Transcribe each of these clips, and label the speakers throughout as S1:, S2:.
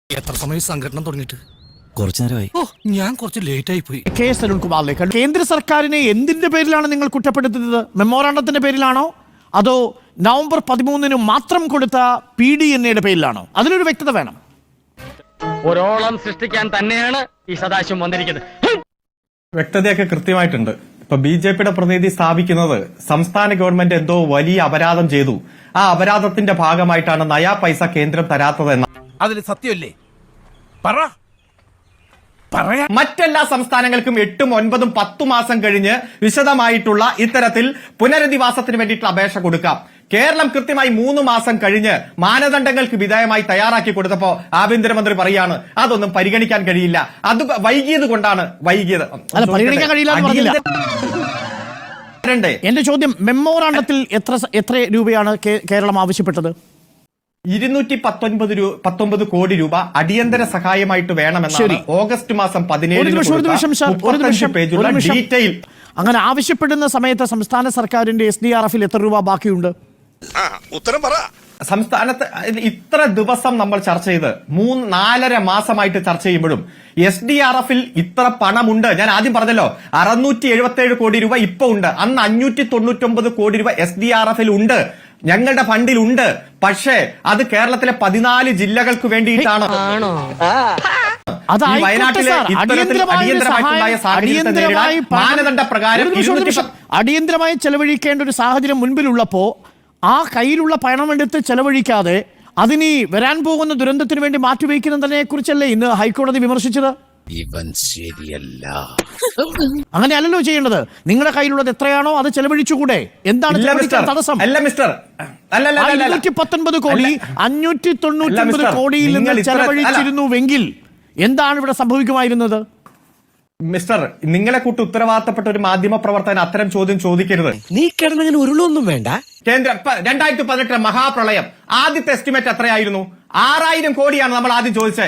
S1: എത്ര സമയം സംഘടന തുടങ്ങിയിട്ട്?
S2: കുറച്ചു നേരമായി.
S1: ഞാൻ കുറച്ച് ലേറ്റ് ആയി പോയി.
S3: കെ എസ് അരുൺകുമാറിലേക്ക്, കേന്ദ്ര സർക്കാരിനെ എന്തിന്റെ പേരിലാണ് നിങ്ങൾ കുറ്റപ്പെടുത്തുന്നത്? മെമ്മോറാണ്ടത്തിന്റെ പേരിലാണോ അതോ നവംബർ 13 മാത്രം കൊടുത്ത PDNA പേരിലാണോ? അതിലൊരു വ്യക്തത വേണം.
S4: ഒരോളം സൃഷ്ടിക്കാൻ തന്നെയാണ് ഈ സദാശിവം വന്നിരിക്കുന്നത്.
S5: വ്യക്തതയൊക്കെ കൃത്യമായിട്ടുണ്ട്. ഇപ്പൊ BJPയുടെ പ്രതിനിധി സ്ഥാപിക്കുന്നത് സംസ്ഥാന ഗവൺമെന്റ് എന്തോ വലിയ അപരാധം ചെയ്തു, ആ അപരാധത്തിന്റെ ഭാഗമായിട്ടാണ് നയാ പൈസ കേന്ദ്രം തരാത്തതെന്ന.
S6: അതിന് സത്യമല്ലേ?
S5: മറ്റെല്ലാ സംസ്ഥാനങ്ങൾക്കും 8, 9, 10 മാസം കഴിഞ്ഞ് വിശദമായിട്ടുള്ള ഇത്തരത്തിൽ പുനരധിവാസത്തിന് വേണ്ടിയിട്ടുള്ള അപേക്ഷ കൊടുക്കാം. കേരളം കൃത്യമായി 3 മാസം കഴിഞ്ഞ് മാനദണ്ഡങ്ങൾക്ക് വിധേയമായി തയ്യാറാക്കി കൊടുത്തപ്പോ ആഭ്യന്തരമന്ത്രി പറയാണ് അതൊന്നും പരിഗണിക്കാൻ കഴിയില്ല, അത് വൈകിയത് കൊണ്ടാണ് വൈകിയത്.
S3: പരിഗണിക്കാൻ കഴിയില്ല. എന്റെ ചോദ്യം, മെമ്മോറാണ്ടത്തിൽ എത്ര രൂപയാണ് കേരളം ആവശ്യപ്പെട്ടത്?
S5: 219 കോടി രൂപ അടിയന്തര സഹായമായിട്ട് വേണമെന്നാണ് ഓഗസ്റ്റ് മാസം 17 പേജുള്ള ഡീറ്റെയിൽ.
S3: അങ്ങനെ ആവശ്യപ്പെടുന്ന സമയത്ത് സംസ്ഥാന സർക്കാരിന്റെ SDRF-ൽ എത്ര രൂപ ബാക്കിയുണ്ട്?
S6: ഉത്തരം പറ.
S5: സംസ്ഥാനത്ത് ഇത്ര ദിവസം നമ്മൾ ചർച്ച ചെയ്ത് 4.5 മാസമായിട്ട് ചർച്ച ചെയ്യുമ്പോഴും SDRF-ൽ ഇത്ര പണമുണ്ട്. ഞാൻ ആദ്യം പറഞ്ഞല്ലോ 677 കോടി രൂപ ഇപ്പൊ ഉണ്ട്. അന്ന് 599 കോടി രൂപ SDRF-ൽ ഉണ്ട്, ഞങ്ങളുടെ ഫണ്ടിലുണ്ട്. പക്ഷേ അത് കേരളത്തിലെ 14 ജില്ലകൾക്ക് വേണ്ടിയിട്ടാണ്.
S3: അടിയന്തരമായി ചെലവഴിക്കേണ്ട ഒരു സാഹചര്യം മുൻപിലുള്ളപ്പോ ആ കയ്യിലുള്ള പണമെടുത്ത് ചെലവഴിക്കാതെ അതിനി വരാൻ പോകുന്ന ദുരന്തത്തിന് വേണ്ടി മാറ്റിവെക്കുന്നതിനെ കുറിച്ചല്ലേ ഇന്ന് ഹൈക്കോടതി വിമർശിച്ചത്?
S1: ഇവൻ ശരിയല്ല.
S3: അങ്ങനെയല്ലല്ലോ ചെയ്യേണ്ടത്. നിങ്ങളുടെ കയ്യിലുള്ളത് എത്രയാണോ അത് ചെലവഴിച്ചുകൂടെ? എന്താണ് തടസ്സം? 519 കോടി 599 കോടിയിൽ നിന്ന് ചെലവഴിച്ചിരുന്നുവെങ്കിൽ എന്താണ് ഇവിടെ സംഭവിക്കുമായിരുന്നത്?
S5: മിസ്റ്റർ, നിങ്ങളെ കൂട്ട് ഉത്തരവാദിത്തപ്പെട്ട ഒരു മാധ്യമ പ്രവർത്തകൻ അത്തരം ചോദ്യം ചോദിക്കരുത്.
S2: നീ കിടന്നങ്ങനെ ഉരുളൊന്നും വേണ്ട.
S5: കേന്ദ്രം 2018 മഹാപ്രളയം ആദ്യത്തെ എസ്റ്റിമേറ്റ് എത്രയായിരുന്നു? 6000 കോടിയാണ് നമ്മൾ ആദ്യം ചോദിച്ചത്.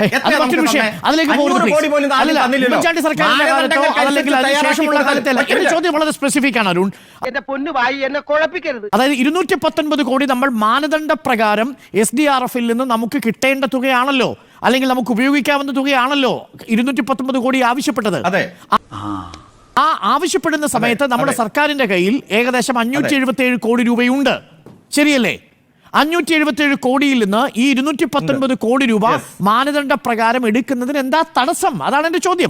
S3: ചോദ്യം വളരെ സ്പെസിഫിക് ആണ് അരുൺ. അതായത് 219 കോടി നമ്മൾ മാനദണ്ഡ പ്രകാരം SDRF-ൽ നിന്ന് നമുക്ക് കിട്ടേണ്ട തുകയാണല്ലോ, അല്ലെങ്കിൽ നമുക്ക് ഉപയോഗിക്കാവുന്ന തുകയാണല്ലോ 219 കോടി ആവശ്യപ്പെട്ടത്. ആ ആവശ്യപ്പെടുന്ന സമയത്ത് നമ്മുടെ സർക്കാരിന്റെ കയ്യിൽ ഏകദേശം 577 കോടി രൂപയുണ്ട്, ശരിയല്ലേ? 577 കോടിയിൽ നിന്ന് ഈ 219 കോടി രൂപ മാനദണ്ഡ പ്രകാരം എടുക്കുന്നതിന് എന്താ തടസ്സം? അതാണ് എന്റെ ചോദ്യം.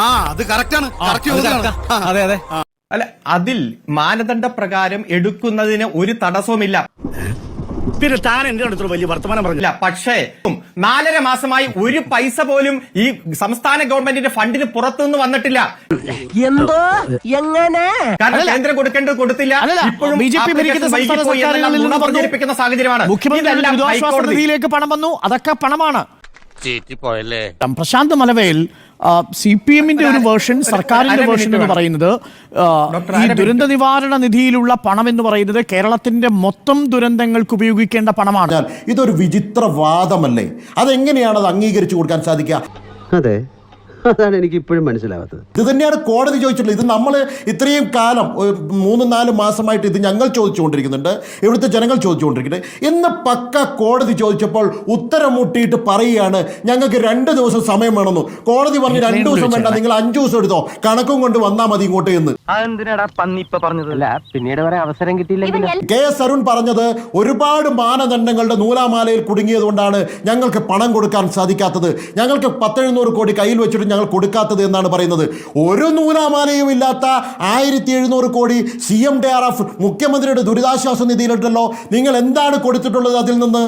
S5: അതെ അതെ, അല്ല, അതിൽ മാനദണ്ഡ പ്രകാരം എടുക്കുന്നതിന് ഒരു തടസ്സവുമില്ല.
S2: പിന്നെ താൻ എന്റെ അടുത്ത് വലിയ വർത്തമാനം പറഞ്ഞില്ല.
S5: പക്ഷേ 4.5 മാസമായി ഒരു പൈസ പോലും ഈ സംസ്ഥാന ഗവൺമെന്റിന്റെ ഫണ്ടിന് പുറത്തുനിന്ന് വന്നിട്ടില്ല.
S7: എന്തോ എങ്ങനെ?
S5: കാരണം കേന്ദ്രം കൊടുക്കേണ്ടത് കൊടുത്തില്ല. ഇപ്പോഴും
S3: BJP ഭരിക്കുന്ന
S5: സാഹചര്യമാണ്.
S3: മുഖ്യമന്ത്രിയിലേക്ക് പണം വന്നു, അതൊക്കെ പണമാണ്. പ്രശാന്ത് മലവേൽ, CPM-ന്റെ ഒരു വേർഷൻ, സർക്കാരിന്റെ വേർഷൻ എന്ന് പറയുന്നത് ഈ ദുരന്ത നിവാരണ നിധിയിലുള്ള പണം എന്ന് പറയുന്നത് കേരളത്തിന്റെ മൊത്തം ദുരന്തങ്ങൾക്ക് ഉപയോഗിക്കേണ്ട പണമാണ്.
S8: ഇതൊരു വിചിത്ര വാദമല്ലേ? അതെങ്ങനെയാണ് അത് അംഗീകരിച്ചു കൊടുക്കാൻ സാധിക്കുക?
S9: അതെ, അതാണ് എനിക്ക് ഇപ്പോഴും മനസ്സിലാവാത്തത്.
S8: ഇത് തന്നെയാണ് കോടതി ചോദിച്ചിട്ടുള്ളത്. ഇത് നമ്മൾ ഇത്രയും കാലം 3-4 മാസമായിട്ട് ഇത് ഞങ്ങൾ ചോദിച്ചുകൊണ്ടിരിക്കുന്നുണ്ട്, ഇവിടുത്തെ ജനങ്ങൾ ചോദിച്ചുകൊണ്ടിരിക്കുന്നുണ്ട്. ഇന്ന് പക്ക കോടതി ചോദിച്ചപ്പോൾ ഉത്തരം മുട്ടിയിട്ട് പറയുകയാണ് ഞങ്ങൾക്ക് 2 ദിവസം സമയം വേണമെന്നു. കോടതി പറഞ്ഞു 2 ദിവസം വേണ്ട, നിങ്ങൾ 5 ദിവസം എടുത്തോ, കണക്കും കൊണ്ട് വന്നാൽ മതി ഇങ്ങോട്ട് എന്ന്.
S9: പിന്നീട് വരെ അവസരം കിട്ടിയില്ലെങ്കിൽ
S8: KS അരുൺ പറഞ്ഞത് ഒരുപാട് മാനദണ്ഡങ്ങളുടെ നൂലാമാലയിൽ കുടുങ്ങിയത് കൊണ്ടാണ് ഞങ്ങൾക്ക് പണം കൊടുക്കാൻ സാധിക്കാത്തത്, ഞങ്ങൾക്ക് 1,700 കോടി കയ്യിൽ വെച്ചിട്ട് ഞങ്ങൾ കൊടുക്കാത്തത് എന്നാണ് പറയുന്നത്. ഒരു നൂലാമാലയും ഇല്ലാത്ത 1700 കോടി CMDRF മുഖ്യമന്ത്രിയുടെ ദുരിതാശ്വാസ നിധിയിലുണ്ടല്ലോ. നിങ്ങൾ എന്താണ് കൊടുത്തിട്ടുള്ളത് അതിൽ നിന്ന്?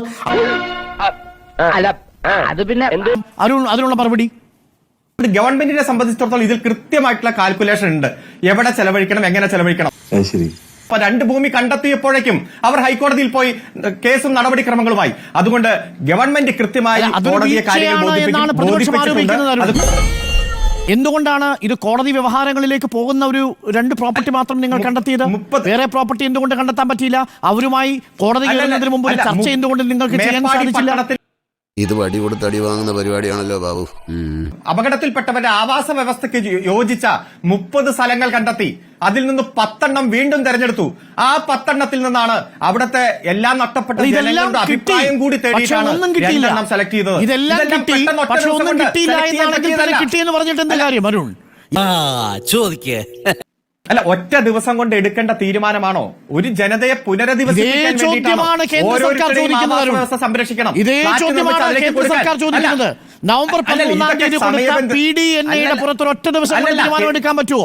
S3: അരുൺ, അതിനുള്ള മറുപടി
S5: ഗവൺമെന്റിനെ സംബന്ധിച്ചിടത്തോളം ഇതിൽ കൃത്യമായിട്ടുള്ള കാൽക്കുലേഷൻ ഉണ്ട്, എവിടെ ചെലവഴിക്കണം, എങ്ങനെ ചെലവഴിക്കണം. അപ്പൊ 2 ഭൂമി കണ്ടെത്തിയപ്പോഴേക്കും അവർ ഹൈക്കോടതിയിൽ പോയി കേസും നടപടിക്രമങ്ങളുമായി. അതുകൊണ്ട് ഗവൺമെന്റ് കൃത്യമായി കോടതിയെ കാര്യങ്ങൾ ബോധിപ്പിച്ചിട്ടുണ്ട്.
S3: എന്തുകൊണ്ടാണ് ഇത് കോടതി വ്യവഹാരങ്ങളിലേക്ക് പോകുന്ന ഒരു 2 പ്രോപ്പർട്ടി മാത്രം നിങ്ങൾ കണ്ടെത്തിയത്? വേറെ പ്രോപ്പർട്ടി എന്തുകൊണ്ട് കണ്ടെത്താൻ പറ്റിയില്ല? അവരുമായി കോടതി കയറുന്നതിന് മുമ്പ് ഒരു ചർച്ച എന്തുകൊണ്ട് നിങ്ങൾക്ക് ചെയ്യാൻ സാധിച്ചില്ല?
S10: ഇത് വടി കൊടുത്ത് അടി വാങ്ങുന്ന പരിപാടിയാണല്ലോ ബാബു.
S5: അപകടത്തിൽപ്പെട്ടവരുടെ ആവാസ വ്യവസ്ഥയ്ക്ക് യോജിച്ച 30 സ്ഥലങ്ങൾ കണ്ടെത്തി. അതിൽ നിന്ന് 10 വീണ്ടും തെരഞ്ഞെടുത്തു. ആ 10 നിന്നാണ് അവിടുത്തെ എല്ലാം നഷ്ടപ്പെട്ട ജനങ്ങളുടെ അഭിപ്രായം കൂടി തേടിയിട്ടാണ് 2 സെലക്ട് ചെയ്തത്.
S3: ഇതെല്ലാം കിട്ടി, പക്ഷെ ഒന്നും കിട്ടിയില്ല എന്നാണെങ്കിൽ തന്നെ കിട്ടിയെന്ന് പറഞ്ഞിട്ട് എന്താ കാര്യം അരുൺ?
S2: ചോദിക്കേ
S5: അല്ല, ഒറ്റ ദിവസം കൊണ്ട് എടുക്കേണ്ട തീരുമാനമാണോ? ഒരു ജനതയെ പുനരധിവസിപ്പിക്കാൻ
S3: ചോദ്യമാണ് കേന്ദ്ര സർക്കാർ ചോദിക്കുന്നത്.
S5: സംരക്ഷിക്കണം.
S3: ഇതേ ചോദ്യമാണ് കേന്ദ്ര സർക്കാർ ചോദിക്കുന്നത്. നവംബർ 13-ാം തീയതി കൊടുത്ത PDNA പുറത്തൊരു ഒറ്റ ദിവസം കൊണ്ട് തീരുമാനം എടുക്കാൻ പറ്റുമോ?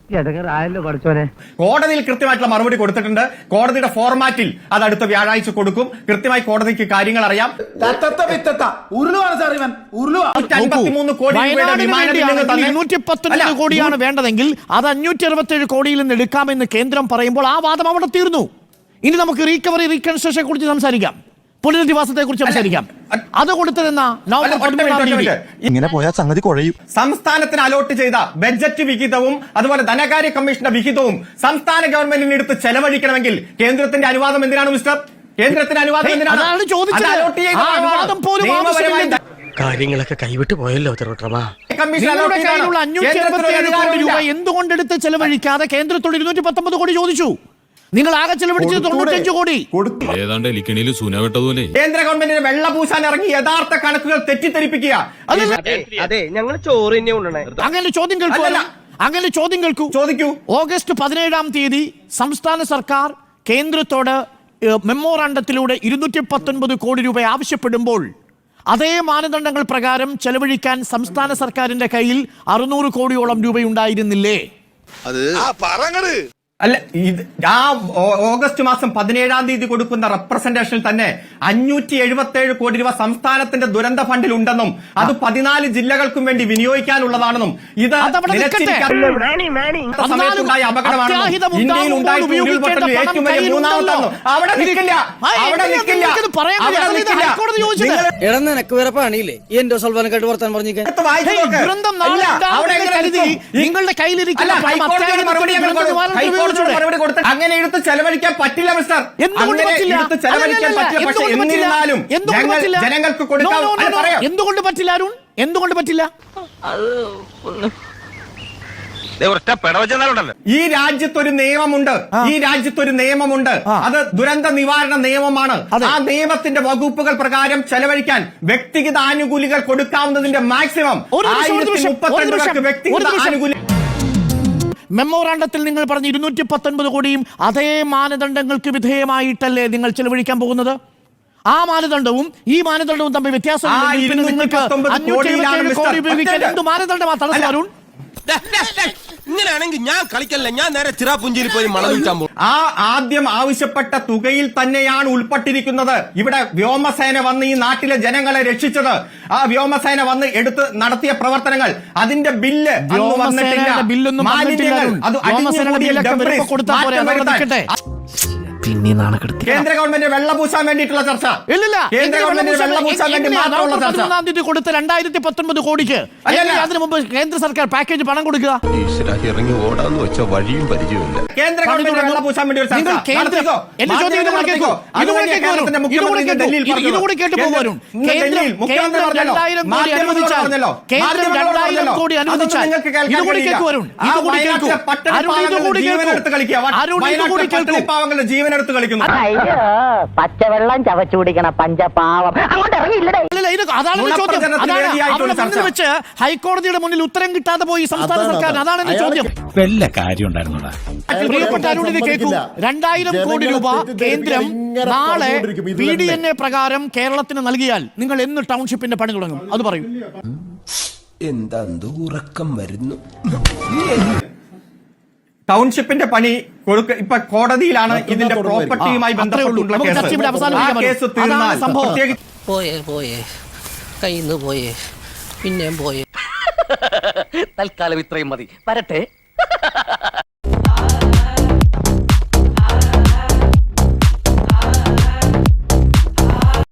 S5: കോടതിയിൽ കൃത്യമായിട്ടുള്ള മറുപടി കൊടുത്തിട്ടുണ്ട്. കോടതിയുടെ ഫോർമാറ്റിൽ അത് അടുത്ത വ്യാഴാഴ്ച കൊടുക്കും. കൃത്യമായി കോടതിക്ക് കാര്യങ്ങൾ അറിയാം. 153 കോടി രൂപയുടെ വിമാനത്തിൽ
S3: 219 കോടിയാണ് വേണ്ടതെങ്കിൽ അത് 567 കോടിയിൽ നിന്ന് എടുക്കാമെന്ന് കേന്ദ്രം പറയുമ്പോൾ ആ വാദം അവിടെ തീർന്നു. ഇനി നമുക്ക് റീകവറി റീകൺസ്ട്രക്ഷനെ കുറിച്ച് സംസാരിക്കാം, പുനരധിവാസത്തെ കുറിച്ച് സംസാരിക്കാം. അത് കൊടുത്തതെന്നാ നവംബർ 13-ാം തീയതി.
S2: ഇങ്ങനെ പോയാൽ സംഗതി കുഴയും.
S5: സംസ്ഥാനത്തിന് അലോട്ട് ചെയ്ത ബഡ്ജറ്റ് വിഹിതവും അതുപോലെ ധനകാര്യ കമ്മീഷന്റെ വിഹിതവും സംസ്ഥാന ഗവൺമെന്റിന് എടുത്ത് ചെലവഴിക്കണമെങ്കിൽ കേന്ദ്രത്തിന്റെ അനുവാദം എന്തിനാണ് മിസ്റ്റർ? കേന്ദ്രത്തിന്റെ അനുവാദം എന്തിനാണ്?
S3: അതാണ് ചോദിച്ചത്. ആ അനുവാദം പോലും ആവശ്യമില്ല.
S4: കാര്യങ്ങളൊക്കെ കൈവിട്ട് പോയല്ലോ തിരുവട്ടമാ.
S3: നിങ്ങളുടെ കയ്യിലുള്ള 567 കോടി രൂപ എന്തുകൊണ്ടെടുത്ത് ചെലവഴിക്കാതെ കേന്ദ്രത്തോട് 219 കോടി ചോദിച്ചു? നിങ്ങൾ ആകെ ചെലവഴിച്ചത് 95 കോടി.
S1: ഏതാണ്ട് എലിക്കണിയിൽ സൂനവെട്ടതുപോലെ
S5: കേന്ദ്ര ഗവൺമെന്റിന് വെള്ളപൂശാൻ ഇറങ്ങി യഥാർത്ഥ കണക്കുകൾ തെറ്റിദ്ധരിപ്പിക്കുക.
S7: അതെ ഞങ്ങൾ ചോറ് തന്നെ കൊണ്ടുവന്നേ.
S3: അങ്ങനെ ചോദ്യം കേൾക്കൂ.
S5: ചോദിക്കൂ.
S3: ഓഗസ്റ്റ് 17-ാം തീയതി സംസ്ഥാന സർക്കാർ കേന്ദ്രത്തോട് മെമ്മോറാണ്ടത്തിലൂടെ 219 കോടി രൂപ ആവശ്യപ്പെടുമ്പോൾ അതേ മാനദണ്ഡങ്ങൾ പ്രകാരം ചെലവഴിക്കാൻ സംസ്ഥാന സർക്കാരിന്റെ കയ്യിൽ 600 കോടിയോളം രൂപയുണ്ടായിരുന്നില്ലേ?
S6: അത് പറങ്ങട്
S5: അല്ല, ഇത് ആ ഓഗസ്റ്റ് മാസം 17-ാം തീയതി കൊടുക്കുന്ന റെപ്രസെന്റേഷനിൽ തന്നെ 577 കോടി രൂപ സംസ്ഥാനത്തിന്റെ ദുരന്ത ഫണ്ടിൽ ഉണ്ടെന്നും അത് 14 ജില്ലകൾക്കും വേണ്ടി വിനിയോഗിക്കാനുള്ളതാണെന്നും ഇത് സമയത്തുണ്ടായ അപകടമാണെന്നും ഇന്ത്യയിൽ ഉണ്ടായിട്ടുള്ള ഉരുൾപൊട്ടലിൽ ഏറ്റവും വലിയ മൂന്നാമത്തെന്നും അവിടെ നിൽക്കില്ല.
S7: നിനക്ക് വേറെ പണിയില്ലേ? എന്റെ സൽവാനക്കായിട്ട് വർത്താൻ പറഞ്ഞിരിക്കാൻ
S3: നിങ്ങളുടെ കയ്യിലിരിക്കുന്ന
S5: അങ്ങനെ എടുത്ത് ചെലവഴിക്കാൻ പറ്റില്ല മിസ്റ്റർ. എടുത്ത് ചെലവഴിക്കാൻ പറ്റില്ല. പക്ഷേ എന്നിരുന്നാലും ജനങ്ങൾക്ക് കൊടുക്കാൻ
S3: എന്തുകൊണ്ട് പറ്റില്ല അരുൺ? എന്തുകൊണ്ട് പറ്റില്ല?
S5: ഈ രാജ്യത്തൊരു നിയമമുണ്ട്. അത് ദുരന്ത നിവാരണ നിയമമാണ്. ആ നിയമത്തിന്റെ വകുപ്പുകൾ പ്രകാരം ചെലവഴിക്കാൻ വ്യക്തിഗത ആനുകൂല്യങ്ങൾ കൊടുക്കാവുന്നതിന്റെ മാക്സിമം 1032 പേർക്ക് വ്യക്തിഗത ആനുകൂല്യം.
S3: മെമ്മോറാണ്ടത്തിൽ നിങ്ങൾ പറഞ്ഞ 219 കോടിയും അതേ മാനദണ്ഡങ്ങൾക്ക് വിധേയമായിട്ടല്ലേ നിങ്ങൾ ചെലവഴിക്കാൻ പോകുന്നത്? ആ മാനദണ്ഡവും ഈ മാനദണ്ഡവും തമ്മിൽ വ്യത്യാസം. നിങ്ങൾക്ക് 577 കോടി ഉപയോഗിക്കാൻ എന്ത് മാനദണ്ഡമാണ് തടസ്സം അരുൺ?
S2: ഇങ്ങനെയാണെങ്കിൽ ഞാൻ കളിക്കല്ല, ഞാൻ നേരെ ചിറാപുഞ്ചിയിൽ പോയി മണം വിൽക്കാൻ പോകും.
S5: ആ ആദ്യം ആവശ്യപ്പെട്ട തുകയിൽ തന്നെയാണ് ഉൾപ്പെട്ടിരിക്കുന്നത്. ഇവിടെ വ്യോമസേന വന്ന് ഈ നാട്ടിലെ ജനങ്ങളെ രക്ഷിച്ചത്, ആ വ്യോമസേന വന്ന് എടുത്ത് നടത്തിയ പ്രവർത്തനങ്ങൾ, അതിന്റെ ബില്ല്
S3: ബില്ലൊന്നും
S2: പിന്നെ നാണക്കെടുത്തി
S5: കേന്ദ്ര ഗവൺമെന്റ് വെള്ളപൂശാൻ വേണ്ടിയിട്ടുള്ള ചർച്ച. കേന്ദ്ര ഗവൺമെന്റ് വെള്ളപൂശാൻ വേണ്ടി മാത്രമുള്ള ചർച്ച.
S3: 13-ാം കൊടുത്ത 2019 കോടിക്ക് അതിന് മുമ്പ് കേന്ദ്ര സർക്കാർ പാക്കേജ് പണം കൊടുക്കുക.
S10: ഇറങ്ങി ഓടാന്ന് വെച്ച വഴിയും പരിചയമില്ല.
S5: കേന്ദ്ര ഗവൺമെന്റ് വെള്ളപൂശാൻ വേണ്ടി ഒരു ചർച്ച.
S3: ഇതുകൂടി കേട്ടു പോകും. കേന്ദ്രം 2000 കോടി അനുവദിച്ചാൽ ഇതുകൂടി കേൾക്കൂ അരുൺ. ഇതുകൂടി കേൾക്കൂ
S5: പാവങ്ങളുടെ ജീവനെടുത്ത് കളിക്കുന്നു.
S7: പച്ചവെള്ളം ചവച്ചു കുടിക്കണ പഞ്ചപാവം അങ്ങോട്ട് ഇറങ്ങിയില്ലേ?
S3: അതാണ് ചോദ്യം. വെച്ച് ഹൈക്കോടതിയുടെ മുന്നിൽ ഉത്തരം കിട്ടാതെ പോയി സംസ്ഥാന സർക്കാർ. അതാണ് എന്റെ ചോദ്യം.
S2: വല്ല കാര്യം ഉണ്ടായിരുന്നോടാ?
S3: പ്രിയപ്പെട്ട അരുണിനെ കേൾക്കൂ. 2000 കോടി രൂപ കേന്ദ്രം നാളെ PDNA പ്രകാരം കേരളത്തിന് നൽകിയാൽ നിങ്ങൾ എന്ന് ടൗൺഷിപ്പിന്റെ പണി തുടങ്ങും? അത് പറയൂ.
S2: എന്താ ഉറക്കം വരുന്നു?
S5: ടൗൺഷിപ്പിന്റെ പണി ഇപ്പൊ കോടതിയിലാണ്. ഇതിന്റെ പ്രോപ്പർട്ടിയുമായി ബന്ധപ്പെട്ടുള്ള കേസ് തീർന്നാൽ
S7: പോയേ കയ്യിന്ന് പോയേ പിന്നെയും പോയേ.
S4: തൽക്കാലം ഇത്രയും മതി. വരട്ടെ.